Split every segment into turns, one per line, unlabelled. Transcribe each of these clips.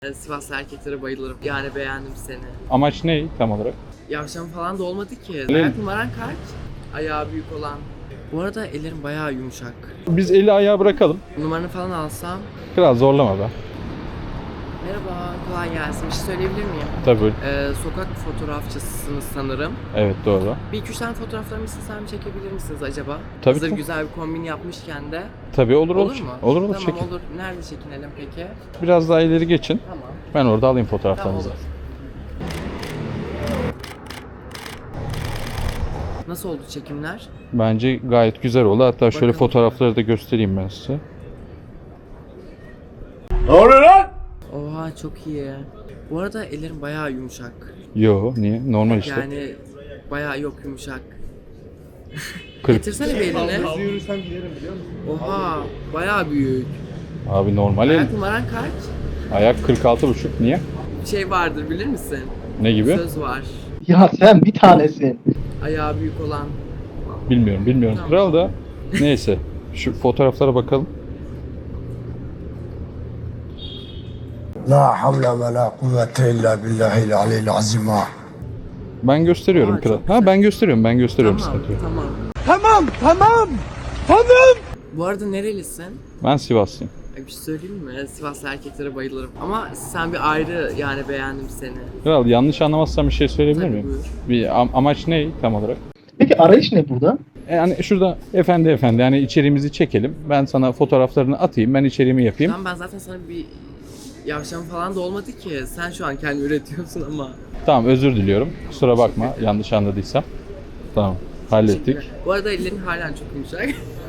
Sivaslı erkeklere bayılırım. Yani beğendim seni.
Amaç ne tam olarak?
Yavşan falan da olmadı ki.
Öyle
Ayak
mi?
numaran kaç? Ayağı büyük olan. Bu arada ellerim bayağı yumuşak.
Biz eli ayağı bırakalım.
Numaranı falan alsam.
Kral zorlama be.
Merhaba, kolay gelsin. Bir şey söyleyebilir miyim?
Tabii.
Sokak fotoğrafçısınız sanırım.
Evet doğru.
Bir iki üç tane fotoğraflarımı istesem çekebilir misiniz acaba?
Tabii
Hazır
ki.
güzel bir kombin yapmışken de.
Tabii olur
Olur mu?
Olur
Tamam
çekin.
olur. Nerede çekinelim peki?
Biraz daha ileri geçin.
Tamam.
Ben orada alayım
Tamam
fotoğraflarınızı.
olur. Nasıl oldu çekimler?
Bence gayet güzel oldu. Hatta şöyle
Bakalım.
fotoğrafları da göstereyim ben size.
Oha çok iyi. Bu arada ellerim bayağı yumuşak.
Yo niye? Normal işte.
Yani bayağı yok yumuşak.
40.
Getirsene bir elini.
Hızlı yürüsem giderim biliyor musun?
Oha bayağı büyük.
Abi normal el.
Ayak numaran kaç?
Ayak 46,5. Niye?
Bir şey vardır bilir misin?
Ne gibi?
Söz var.
Ya sen bir tanesin.
Ayağı büyük olan.
Bilmiyorum.
Tamam.
Kral da neyse. Şu fotoğraflara bakalım.
لا حول ولا قوة إلا بالله العلي العظيم.
Ben gösteriyorum
Aa,
kral.
çok
Ha
güzel.
ben gösteriyorum.
Tamam,
Sıkıntı yok.
tamam.
Tamam.
Bu arada nerelisin?
Ben Sivaslıyım.
Ay, bir şey söyleyeyim mi? Sivaslı erkeklere bayılırım. Ama sen bir ayrı yani beğendim seni.
Kral yanlış anlamazsam bir şey söyleyebilir
Tabii,
miyim?
buyur.
Bir amaç ne tam olarak?
Peki arayış ne burada?
Yani şurada efendi yani içeriğimizi çekelim. Ben sana fotoğraflarını atayım. Ben içeriğimi yapayım.
Tamam ben zaten sana bir yavşan falan da olmadı ki. Sen şu an kendi üretiyorsun ama.
Tamam özür diliyorum. Kusura bakma yanlış anladıysam. Tamam hallettik.
Bu arada ellerin halen çok yumuşak.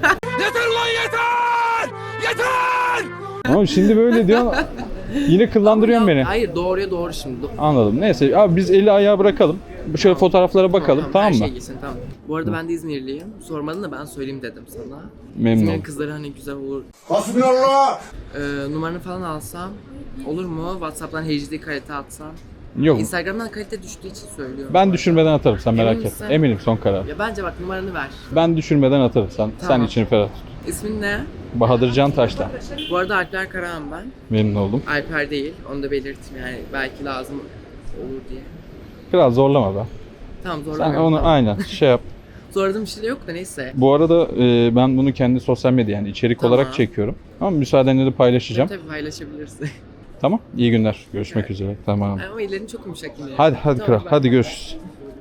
Ama şimdi böyle diyor. Yine kıllandırıyorsun beni.
Hayır doğruya doğru şimdi.
Anladım. Neyse abi biz eli ayağı bırakalım. Şöyle fotoğraflara bakalım tamam
her
mı?
şey geçsin tamam. Bu arada ben de İzmirliyim. Sormadın da ben söyleyeyim dedim sana.
Memnun
İzmir'in
oldum.
kızları hani güzel olur.
Hasbunallah.
Numaranı falan alsam olur mu? WhatsApp'tan HD kalite atsam.
Yok.
Instagram'dan kalite düştüğü için söylüyorum.
Ben düşürmeden atarım sen merak
Emin
etme.
misin?
Eminim son karar.
Ya bence bak numaranı ver.
Ben düşürmeden atarım sen
Tamam.
içini ferah tut.
İsmin ne?
Bahadır Can Taş'tan.
Bu arada Alper Karahan ben.
Memnun oldum.
Alper değil. Onu da belirteyim yani belki lazım olur diye.
Biraz zorlama be.
Tamam
Sen
zorlamıyorum.
onu
tamam.
aynen şey yap.
Zorladığım bir şey de yok da neyse.
Bu arada ben bunu kendi sosyal medya yani içerik
Tamam.
olarak çekiyorum. Ama müsaadenle de paylaşacağım.
Tabii paylaşabilirsin.
Tamam. İyi günler. Görüşmek üzere. Tamam.
Ama ellerin çok yumuşak yine.
Hadi
Tamam,
kral.
ben-
Hadi görüşürüz.